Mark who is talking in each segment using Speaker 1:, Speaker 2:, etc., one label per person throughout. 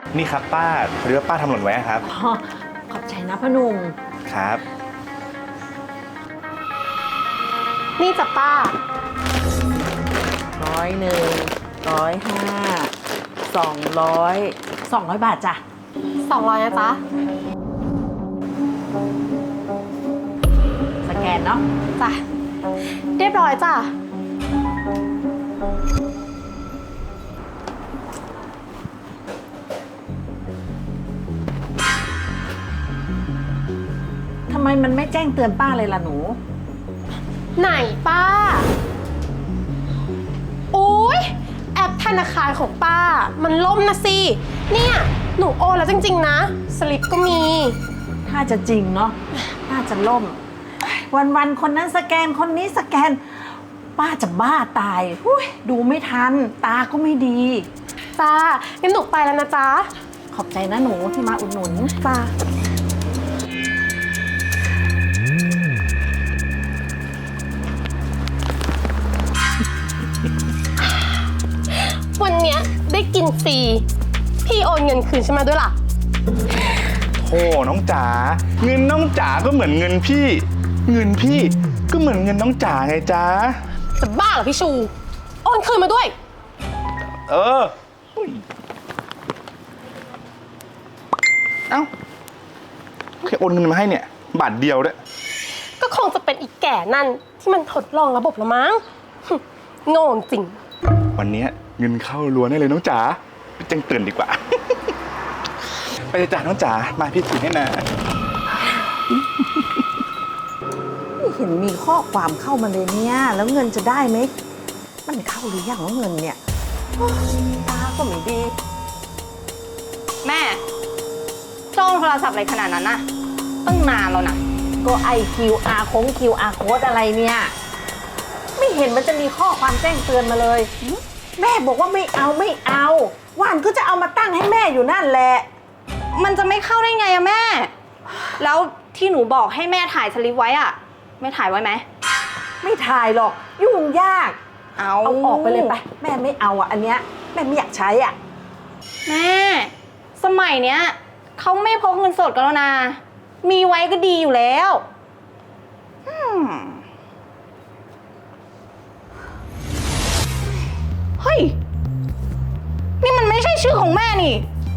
Speaker 1: นี่ครับป้าพอดีว่าป้าทำหล่นไว้ครับ
Speaker 2: อ๋อขอบใจนะพ่อหนุ่ม
Speaker 1: ครับ
Speaker 3: นี่จ้ะป้า
Speaker 2: 101 105 200 บาทจ้ะ
Speaker 3: 200นะจ๊ะ
Speaker 2: สแกนเนาะ
Speaker 3: จ้ะเรียบร้อยจ้ะ
Speaker 2: ทำไมมันไม่แจ้งเตือนป้าเลยล่ะหนู
Speaker 3: ไหนป้าโอ๊ยแอปธนาคารของป้ามันล่มนะสิเนี่ยหนูโอนแล้วจริงๆนะสลิปก็มี
Speaker 2: ถ้าจะจริงเนาะป้าจะล่มวันๆคนนั้นสแกนคนนี้สแกนป้าจะบ้าตายดูไม่ทันตาก็ไม่ดี
Speaker 3: จ้างั้นหนูไปแล้วนะจ๊ะ
Speaker 2: ขอบใจนะหนูที่มาอุดหนุน
Speaker 3: จ้าวันเนี้ยได้กินฟรีพี่โอนเงินคืนฉันมาด้วยล่ะ
Speaker 1: โอ้น้องจ๋าเงินน้องจ๋าก็เหมือนเงินพี่เงินพี่ก็เหมือนเงินน้องจ๋าไงจ๊ะ
Speaker 3: จะบ้าเหรอพี่ชูโอนคืนมาด้วย
Speaker 1: เออเอ้าแค่โอนเงินมาให้เนี่ยบาทเดียวด้วย
Speaker 3: ก็คงจะเป็นอีกแก่นั่นที่มันทดลองระบบละมั้งโง่จริง
Speaker 1: วันนี้เงินเข้ารัวแน่เลยน้องจ๋าไปแจ้งเตือนดีกว่า ไปเลยจ้ะน้องจ๋ามาพี่ถือให้นะ
Speaker 2: ไม่เห็นมีข้อความเข้ามาเลยเนี่ยแล้วเงินจะได้ไหมมันเข้าหรือยังว่าเงินเนี่ยตาก็ไม่ดี
Speaker 4: แม่จ้องโทรศัพท์อะไรขนาดนั้นน่ะตั้งนานแล้วนะ
Speaker 2: ก็QR Code อะไรเนี่ยไม่เห็นมันจะมีข้อความแจ้งเตือนมาเลยแม่บอกว่าไม่เอาว่านก็จะเอามาตั้งให้แม่อยู่นั่นแหละ
Speaker 4: มันจะไม่เข้าได้ไงอะแม่แล้วที่หนูบอกให้แม่ถ่ายสลิปไว้อะแม่ถ่ายไว้ไหม
Speaker 2: ไม่ถ่ายหรอกยุ่งยาก
Speaker 4: เอา
Speaker 2: ออกไปเลยไปแม่ไม่เอาอันเนี้ยแม่ไม่อยากใช้
Speaker 4: แม่สมัยเนี้ยเขาไม่พกเงินสดกันแล้วนะมีไว้ก็ดีอยู่แล้วเฮ้ยนี่มันไม่ใช่ชื่อของแม่นี่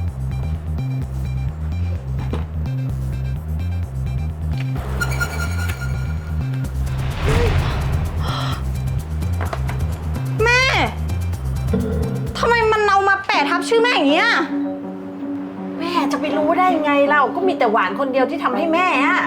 Speaker 4: แม่ทำไมมันเอามาแปะทับชื่อแม่อย่างเงี้ย
Speaker 2: แม่จะไปรู้ได้ไงเราก็มีแต่หวานคนเดียวที่ทำให้แม่อะ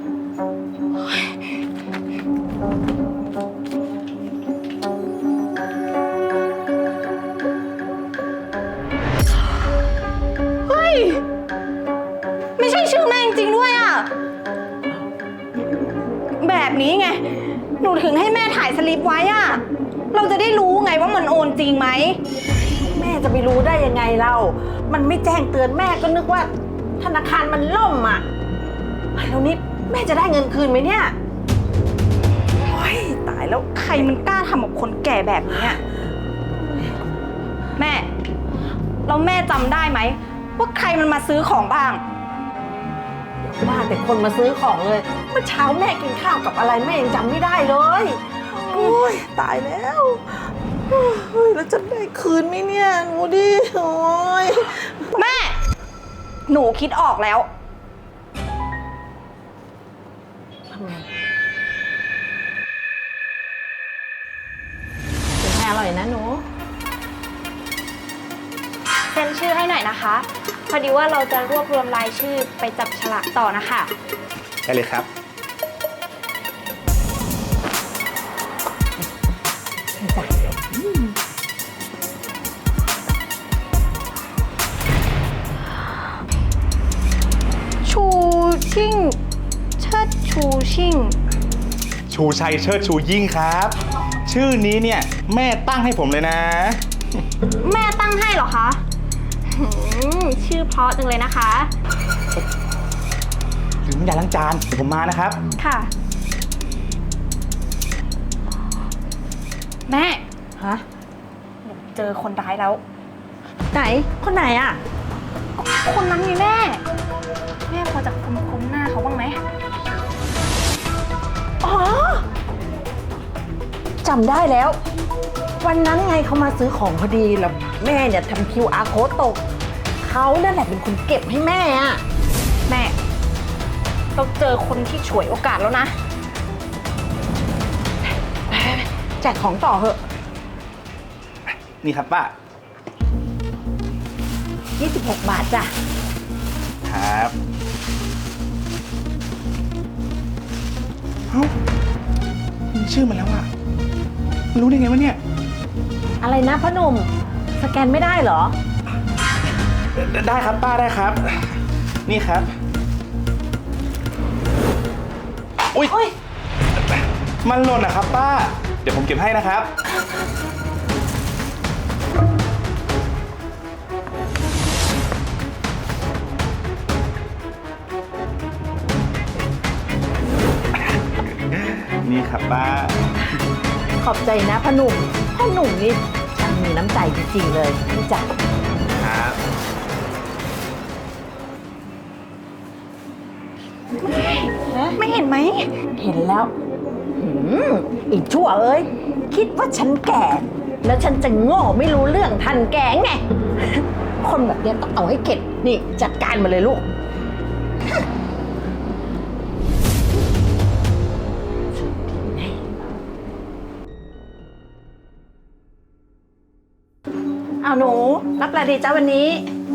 Speaker 4: เฮ้ยไม่ใช่ชื่อแม่จริงๆด้วยอะแบบนี้ไงหนูถึงให้แม่ถ่ายสลิปไว้อะเราจะได้รู้ไงว่ามันโอนจริงไหม
Speaker 2: แม่จะไปรู้ได้ยังไงเรามันไม่แจ้งเตือนแม่ก็นึกว่าธนาคารมันล่มอ่ะแล้วนี่แม่จะได้เงินคืนไหมเนี่ยโอ๊ยตายแล้ว
Speaker 4: ใครมันกล้าทำกับคนแก่แบบนี้แม่แล้วแม่จำได้ไหมว่าใครมันมาซื้อของบ้าง
Speaker 2: ว่าแต่คนมาซื้อของเลยเมื่อเช้าแม่กินข้าวกับอะไรแม่ยังจำไม่ได้เลยโอ๊ยตายแล้วแล้วจะได้คืนไหมเนี่ยหนูดิโอ๊ย
Speaker 4: แม่หนูคิดออกแล้ว
Speaker 2: ทำไงเป็นไงอร่อยนะหนู
Speaker 4: เซ็นชื่อให้หน่อยนะคะพอดีว่าเราจะรวบรวมรายชื่อไปจับฉลากต่อนะคะ
Speaker 1: ได้เลยครับ
Speaker 4: ชูชิ่งเชิดชูชิ่ง
Speaker 1: ชูชัยเชิดชูยิ่งครับชื่อนี้เนี่ยแม่ตั้งให้ผมเลยนะ
Speaker 4: แม่ตั้งให้เหรอคะชื่อเพราะจังเลยนะคะ
Speaker 1: ถึงอย่าล้างจานเดี๋ยวผมมานะครับ
Speaker 4: ค่ะแม่
Speaker 2: ฮะ
Speaker 4: เจอคนร้ายแล้ว
Speaker 2: ไหนคนไหนอ่ะ
Speaker 4: คคนนั้นไงแม่ แม่พอจะคุ้นหน้าเขาบ้างไหม
Speaker 2: อ๋อจำได้แล้ว วันนั้นไงเขามาซื้อของพอดีแล้วแม่เนี่ยทำ QR code ตกเขานั่นแหละเป็นคนเก็บให้แม่อะ
Speaker 4: แม่เราเจอคนที่ฉวยโอกาสแล้วนะ
Speaker 2: แจกของต่อเหอะ
Speaker 1: นี่ครับป้า
Speaker 2: 26 บาทจ้ะ
Speaker 1: ครับเอ้ามีชื่อมันแล้วอะรู้ได้ไงวะเนี่ย
Speaker 2: อะไรนะพ่อหนุ่มสแกนไม่ได้เหรอ
Speaker 1: ได้ครับป้าได้ครับ นี่ครับ อุ๊ย
Speaker 2: โอ๊ย
Speaker 1: มันหล่นนะครับป้า เดี๋ยวผมเก็บให้นะครับ นี่ครับป้า
Speaker 2: ขอบใจนะพ่อหนุ่มนี่ช่างมีน้ำใจจริงๆเลยพี่จ๋า
Speaker 1: ครับ
Speaker 4: ไม่เห็นไหม
Speaker 2: เห็นแล้วอีชั่วเอ้ยคิดว่าฉันแก่ แล้วฉันจะโง่ไม่รู้เรื่องทันแกไง คนแบบเนี้ยต้องเอาให้เข็ดนี่จัดการมาเลยลูก เอาหนูรับอะไรดีจ้าวันนี้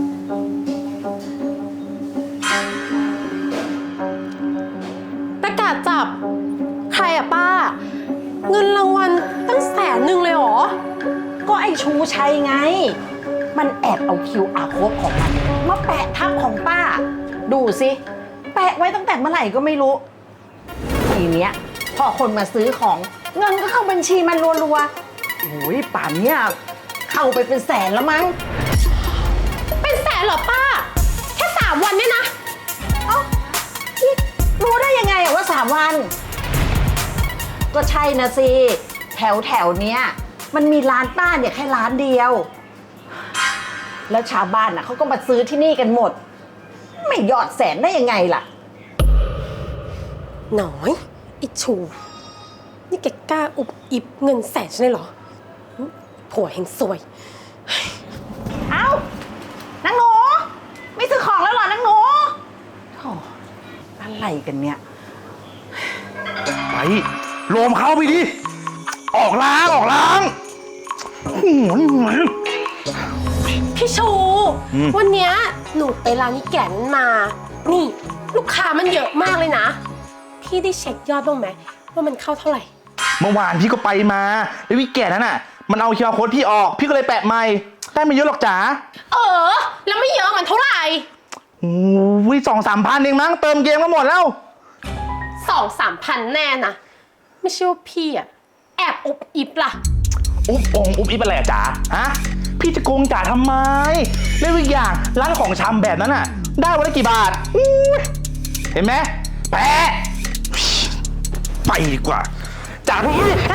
Speaker 3: ประกาศจับ ใครอะป้า เงินรางวัลตั้ง100,000เลยเหรอ
Speaker 2: ก็ไอ้ชูชัยไง มันแอบเอา QR code ของมันมาแปะทับของป้า ดูสิ แปะไว้ตั้งแต่เมื่อไหร่ก็ไม่รู้ ทีเนี้ยพอคนมาซื้อของเงินก็เข้าบัญชีมันรัวๆโอ้ยป่านเนี้ยเข้าไปเป็นแสนแล้วมั้ง
Speaker 3: เป็นแสนเหรอป้า แค่3 วันเนี่ยนะ
Speaker 2: เอ้านี่รู้ได้ยังไงอะว่า3 วัน ก็ใช่นะสิ แถวเนี้ยมันมีร้านป้าเนี่ยแค่ร้านเดียว แล้วชาวบ้านน่ะเขาก็มาซื้อที่นี่กันหมด ไม่ยอดแสนได้ยังไงล่ะ
Speaker 3: หน่อยอิชู นี่แกกล้าอุบอิบเงินแสนใช่ไหมเหรอผัวเฮงซวย
Speaker 2: เอ้านางหนูไม่ซื้อของแล้วเหรอนางหนูโธ่อะไรกันเนี่ย
Speaker 1: ไปโลมเข้าไปดิ ออกล้างหัวนี่ไง
Speaker 3: พี่ชู วันเนี้ยหนูไปร้านนี้แก่นมา นี่ ลูกค้ามันเยอะมากเลยนะ พี่ได้เช็คยอดบ้างไหมว่ามันเข้าเท่าไหร่
Speaker 1: เมื่อวานพี่ก็ไปมาแล้ววิแก่นั้นน่ะ มันเอาQR codeพี่ออก พี่ก็เลยแปะใหม่ได้ไม่เยอะหรอกจ๋า
Speaker 3: แล้วไม่เยอะมันเท่าไหร่
Speaker 1: โอ้ย2-3 พันเองมั้งเติมเกมก็หมดแล้ว
Speaker 3: 2-3 พันแน่นะไม่ใช่ว่าพี่อะแอบอุบอิบล่ะ
Speaker 1: อุ๊บอิบอะไรอะจ๋าฮะพี่จะโกงจ๋าทำไมแล้วอีกอย่างร้านของชำแบบนั้นน่ะ ได้วันละกี่บาทอุ๊ยเห็นไหมแปะไปดีกว่าจ๋าพี่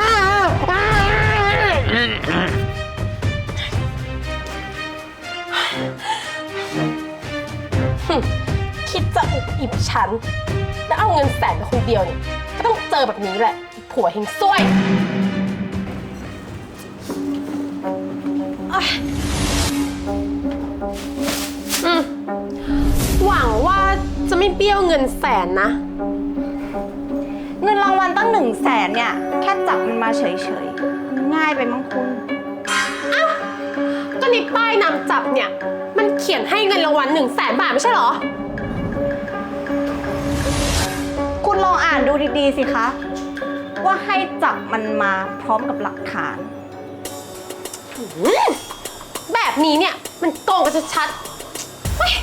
Speaker 3: คิดจะอุบอิบฉัน แล้วเอาเงินแสนไปคนเดียวเนี่ยก็ต้องเจอแบบนี้แหละผัวเฮงซวยหวังว่าจะไม่เบี้ยวเงินแสนนะ
Speaker 4: เงินรางวัลตั้ง100,000เนี่ย แค่จับมันมาเฉยๆ ง่ายไปมั้งคุณ
Speaker 3: ก็ในป้ายนำจับเนี่ย มันเขียนให้เงินรางวัล100,000 บาทไม่ใช่เหรอ
Speaker 4: คุณลองอ่านดูดีๆสิคะ ว่าให้จับมันมาพร้อมกับหลักฐาน
Speaker 3: แบบนี้เนี่ยมันโกงกันชัดๆเฮ้ย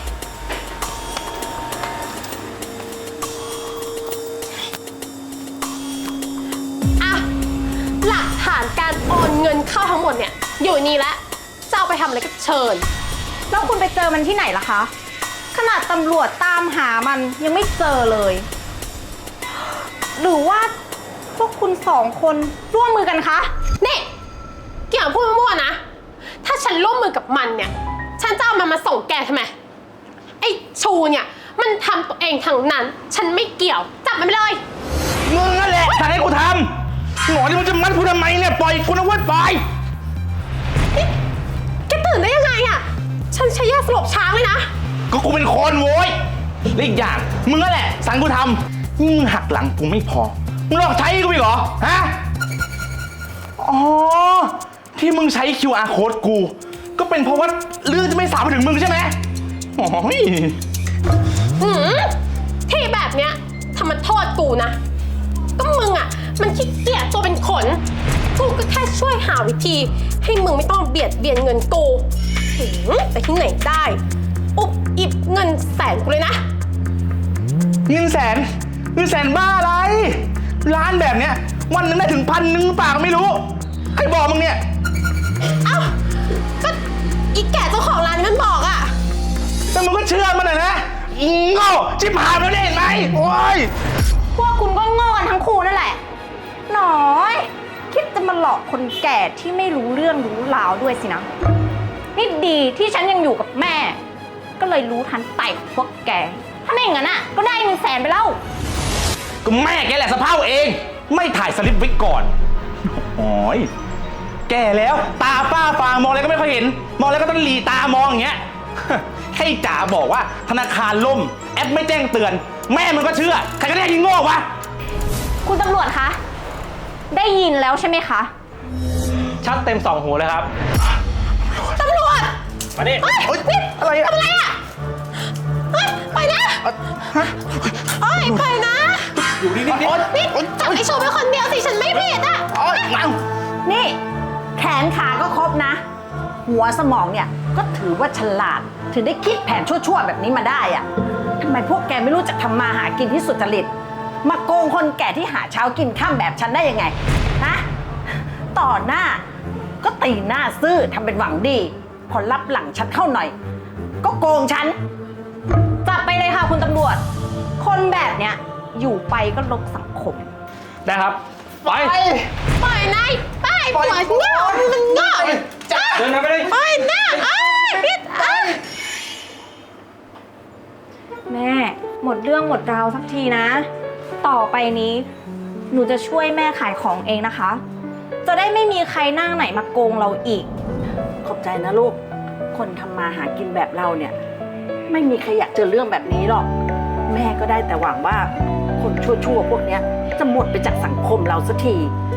Speaker 3: อ่ะหลักฐานการโอนเงินเข้าทั้งหมดเนี่ยอยู่นี่แล้วจะเอาไปทำอะไรก็เชิญ
Speaker 4: แล้วคุณไปเจอมันที่ไหนล่ะคะ ขนาดตำรวจตามหามันยังไม่เจอเลย หรือว่าพวกคุณ2 คนร่วมมือกันคะ
Speaker 3: นี่เกี่ยวกับพูดมั่วๆนะ ถ้าฉันร่วมมือกับมันเนี่ย ฉันจะเอามันมาส่งแกทำไมไอ้ชูเนี่ยมันทำตัวเองทั้งนั้น ฉันไม่เกี่ยว จับมันไปเลย
Speaker 1: มึงนั่นแหละสั่งให้กูทำหมอที่มึงจะมัดกูทำไมเนี่ยปล่อยกูนะเว้ยปล่อย
Speaker 3: แกตื่นได้ยังไงอะฉันใช้ยาสลบช้างเลยนะ
Speaker 1: ก็กูเป็นคนโว้ยและอีกอย่างมึงนั่นแหละสั่งกูทำนี่มึงหักหลังกูไม่พอมึงหลอกใช้กูอีกเหรอฮะอ๋อที่มึงใช้ QR code กู ก็เป็นเพราะว่าเรื่องจะไม่สาวไปถึงมึงใช่ไหมโอ้ย
Speaker 3: ที่แบบเนี้ยทำมันโทษกูนะ ก็มึงอ่ะ มันขี้เกียจตัวเป็นขน กูก็แค่ช่วยหาวิธี ให้มึงไม่ต้องเบียดเบียนเงินกูแต่ที่ไหนได้ อุบอิบเงินแสนกูเลยนะ
Speaker 1: เงินแสนบ้าอะไร ร้านแบบเนี้ยวันหนึงได้ถึง1,000เปล่าไม่รู้ใครบอกมึงเนี่ย
Speaker 3: เอ้า ก็อีแก่เจ้าของร้านนี้มันบอกอ่ะ
Speaker 1: แต่มึงก็เชื่อมันนะอีโง่ชิบหายแล้วเนี่ยเห็นไหมโอ้ย
Speaker 4: พวกคุณก็โง่กันทั้งคู่นั่นแหละ หน่อย คิดจะมาหลอกคนแก่ที่ไม่รู้เรื่องรู้ราวด้วยสินะ นี่ดีที่ฉันยังอยู่กับแม่ ก็เลยรู้ทันไต่ของพวกแก ถ้าไม่อย่างนั้นอ่ะ ก็ได้เงินแสนไปแล้ว
Speaker 1: ก็แม่แกแหละสะเพร่าเอง ไม่ถ่ายสลิปไว้ก่อนโอ้ยแก่แล้วตาฝ้าฟางมองอะไรก็ไม่ค่อยเห็น มองอะไรก็ต้องหลีตามองอย่างเงี้ย ให้จ๋าบอกว่าธนาคารล่มแอปไม่แจ้งเตือน แม่มันก็เชื่อใครก็ได้ยิงโง่วะ
Speaker 4: คุณตำรวจคะ ได้ยินแล้วใช่ไหมคะ
Speaker 5: ชัดเต็มสองหูเลยครับ
Speaker 3: ตำรวจ
Speaker 5: มาดิ
Speaker 3: เฮ้ย
Speaker 1: โอ๊ย
Speaker 3: นี่
Speaker 1: อะไรอะ
Speaker 3: ทำอะไรอ่ะเฮ้ยไปนะเฮ้ยไปนะ
Speaker 1: อยู่นี่นี่
Speaker 3: นี่จับไอ้ชูเป็นคนเดียวสิ ฉันไม่ผิดอ่ะ
Speaker 1: โอ๊ยเอา
Speaker 2: นี่ แขนขาก็ครบนะ หัวสมองเนี่ยก็ถือว่าฉลาด ถึงได้คิดแผนชั่วๆแบบนี้มาได้อะทำไมพวกแกไม่รู้จักทำมาหากินที่สุจริต มาโกงคนแก่ที่หาเช้ากินข้ามแบบฉันได้ยังไงฮะต่อหน้าก็ตีหน้าซื่อทำเป็นหวังดี พอรับหลังฉันเข้าหน่อย ก็โกงฉัน
Speaker 4: จับไปเลยค่ะคุณตำรวจ คนแบบเนี้ยอยู่ไปก็ลบสังคม
Speaker 5: ได้ครับ ไป
Speaker 3: ปล่อยนายไปปล่อยเงามันเงา
Speaker 5: เดินไปเลย
Speaker 3: ปล่อยหน้าเอ้ยพิษเอ้ย
Speaker 4: แม่หมดเรื่องหมดราวสักทีนะ ต่อไปนี้หนูจะช่วยแม่ขายของเองนะคะ จะได้ไม่มีใครหน้าไหนมาโกงเราอีก
Speaker 2: ขอบใจนะลูก คนทำมาหากินแบบเราเนี่ย ไม่มีใครอยากเจอเรื่องแบบนี้หรอก แม่ก็ได้แต่หวังว่าคนชั่วๆพวกเนี้ยจะหมดไปจากสังคมเราสักที